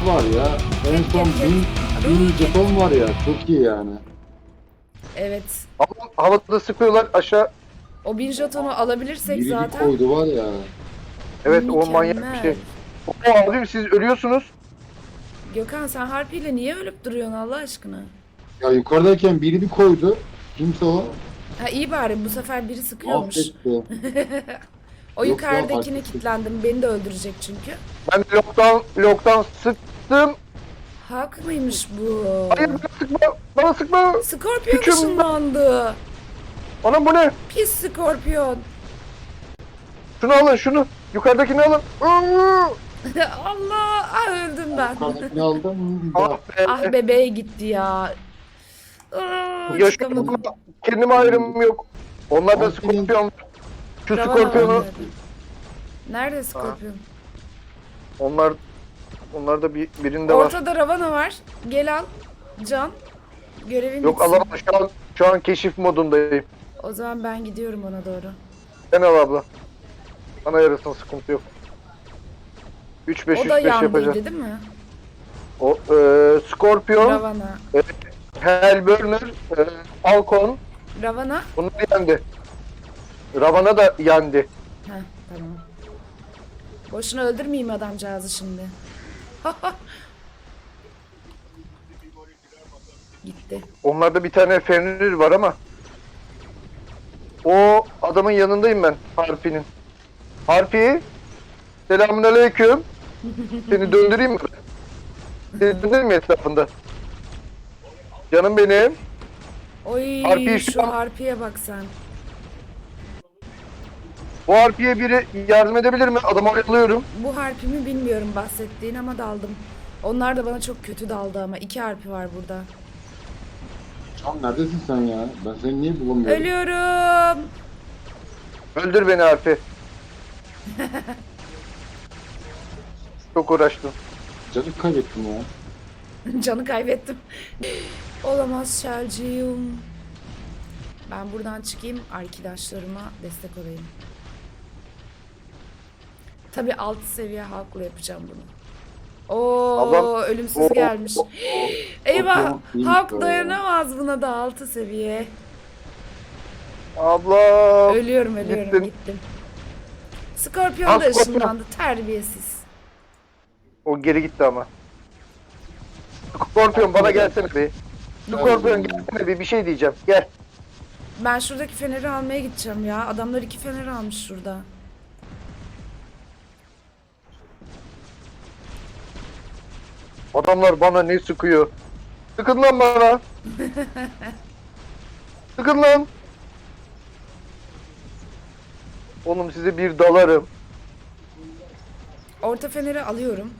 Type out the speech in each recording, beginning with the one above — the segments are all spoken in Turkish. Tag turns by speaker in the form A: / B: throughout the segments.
A: var ya. En son bin jeton var ya. Çok iyi yani.
B: Evet.
C: Havada sıkıyorlar aşağı.
B: O 1000 jetonu alabilirsek
A: Biri bir
B: zaten
A: koydu var ya.
C: Evet, o manyak bir
B: mükemmel.
C: şey. O abim siz ölüyorsunuz.
B: Gökhan sen harpiyle niye ölüp duruyorsun Allah aşkına?
A: Ya yukarıdayken biri bir koydu. Kimse o.
B: Ha iyi bari bu sefer biri sıkıyormuş.
A: Affetti.
B: O
A: Yoksa
B: yukarıdakine
A: fark etti.
B: kilitlendim. Beni de öldürecek çünkü.
C: Ben lockdown sıktım.
B: Hak mıymış bu?
C: Hayır, bana sıkma. Bana sıkma.
B: Skorpiyon
C: Küçüm.
B: ışınlandı.
C: Anam, bu ne?
B: Pis skorpiyon.
C: Şunu alın, şunu. Yukarıdakini alın.
B: Allah! Ah öldüm ben.
A: Yukarıdakini aldım.
C: Ah
A: Bak.
C: be.
B: Ah bebeğe gitti ya. Aa,
C: Yaşıyorum
B: çıkamadım.
C: ama kendime ayrım yok. Onlar da
A: Aferin.
C: skorpiyon. Şu
B: Ravana
C: skorpiyonu.
B: var. Nerede skorpiyon?
C: Onlar da birinde var.
B: Ortada Ravana var. Gel al. Can. Görevin
C: Yok,
B: bitsin.
C: alamam. Şu an keşif modundayım.
B: O zaman ben gidiyorum ona doğru.
C: Sen al abla. Bana yarasın, sıkıntı yok. 3-5
B: O da
C: 3-5
B: yandıydı
C: yapacağız.
B: değil mi?
C: O Scorpion,
B: Ravana.
C: Hellburner, Falcon,
B: Ravana.
C: bunlar yendi. Ravana da yendi.
B: Heh tamam. Boşuna öldürmeyeyim adamcağızı şimdi. Gitti.
C: Onlarda bir tane Fenrir var ama o adamın yanındayım ben, Harpi'nin. Harpi, selamünaleyküm. Seni döndüreyim mi? Seni döndüreyim mi etrafında? Canım benim.
B: Oy
C: Harpiyi şu
B: şu
C: an-
B: harpiye bak sen.
C: Bu Harpi'ye biri yardım edebilir mi? Adamı alıyorum.
B: Bu harpimi bilmiyorum bahsettiğin ama daldım. Onlar da bana çok kötü daldı ama. 2 harpi var burada.
A: Can neredesin sen ya? Ben seni niye bulamıyorum?
B: Ölüyorum.
C: Öldür beni Harpi. Çok uğraştım.
A: Canı kaybettim ya.
B: Canı kaybettim. Olamaz Şelciğim. Ben buradan çıkayım arkadaşlarıma destek olayım. Tabii alt seviye halkla yapacağım bunu. Oo
C: Ablam-
B: ölümsüz
C: Oo.
B: gelmiş. Eyvah
A: Yok, yok,
B: halk
A: yok.
B: dayanamaz buna da 6 seviye.
C: Abla.
B: Ölüyorum
C: Gittin.
B: gittim. Skorpion
C: Al,
B: da
C: Skorpion.
B: ışınlandı terbiyesiz.
C: O geri gitti ama. Scorpion, bana gelsene bir. Scorpion, gelsene bir şey diyeceğim. Gel.
B: Ben şuradaki feneri almaya gideceğim ya. Adamlar 2 fener almış şurada.
C: Adamlar bana ne sıkıyor? Sıkın lan bana. Sıkın lan. Oğlum, size bir dalarım.
B: Orta feneri alıyorum.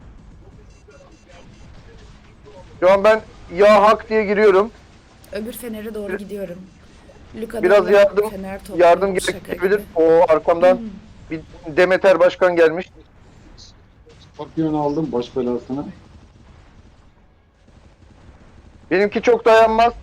C: Şu an ben ya hak diye giriyorum.
B: Öbür fenere doğru gidiyorum. Luka'dan
C: Biraz
B: da
C: yardım
B: fener topluyorum,
C: yardım
B: şaka
C: gerekebilir.
B: gibi.
C: O arkamdan bir Demeter Başkan gelmiş.
A: Skorpiyonu aldım baş belasını.
C: Benimki çok dayanmaz.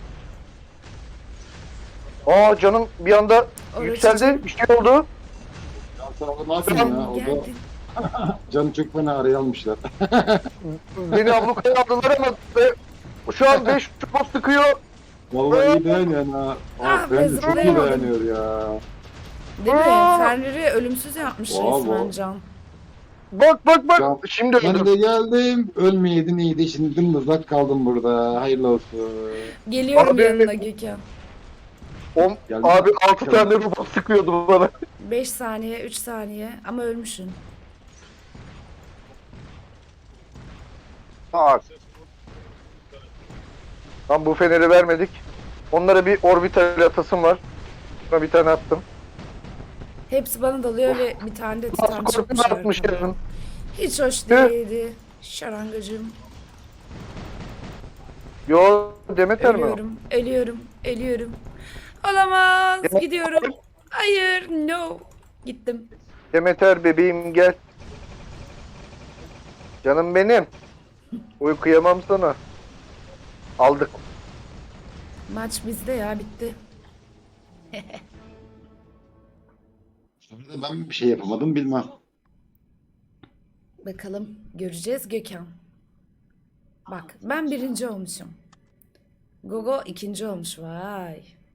C: Aa, canım bir anda
B: Orası
C: yükseldi.
B: canım.
C: Bir şey oldu.
A: Ya sen orada ne yapıyorsun ya? Orada
B: Geldin.
A: canı çok fena araya almışlar.
C: Beni ablukaya aldılar ama şu an 5 çubuğu sıkıyor.
A: Vallahi iyi dayanıyor ha.
B: Ah,
A: Ben de çok iyi
B: bezirleyemedim.
A: dayanıyor ya.
B: Değil mi?
C: Aa!
B: Feneri ölümsüz yapmış
A: Bravo.
B: resmen Can.
C: Bak bak bak.
A: Can,
C: Şimdi
A: Ben
C: öldüm.
A: de geldim. Ölmeyeydin iyiydi. Şimdi dımdızlak kaldım burada. Hayırlı olsun.
B: Geliyorum
C: Abi-
B: yanına Gökhan.
C: Abi 6 tane robot sıkıyordu bana.
B: 5 saniye, 3 saniye ama ölmüşsün.
C: Bak. Lan bu feneri vermedik. Onlara bir orbital atasım var. Buna bir tane attım.
B: Hepsi bana dalıyor ve bir tane de titan
C: Skorpion
B: çıkmış
C: atmış
B: arkadan.
C: yarın.
B: Hiç hoş değildi. Şarangacığım.
C: Yo, Demeter mi o?
B: Ölüyorum. Olamaz.
C: Demet-
B: Gidiyorum. Hayır, no. Gittim.
C: Demeter bebeğim, gel. Canım benim. Uykuyamam sana. Aldık.
B: Maç bizde ya, bitti.
A: Sonra da ben bir şey yapamadım bilmem.
B: Bakalım göreceğiz Gökhan. Bak ben birinci olmuşum. Gogo ikinci olmuş. Vay.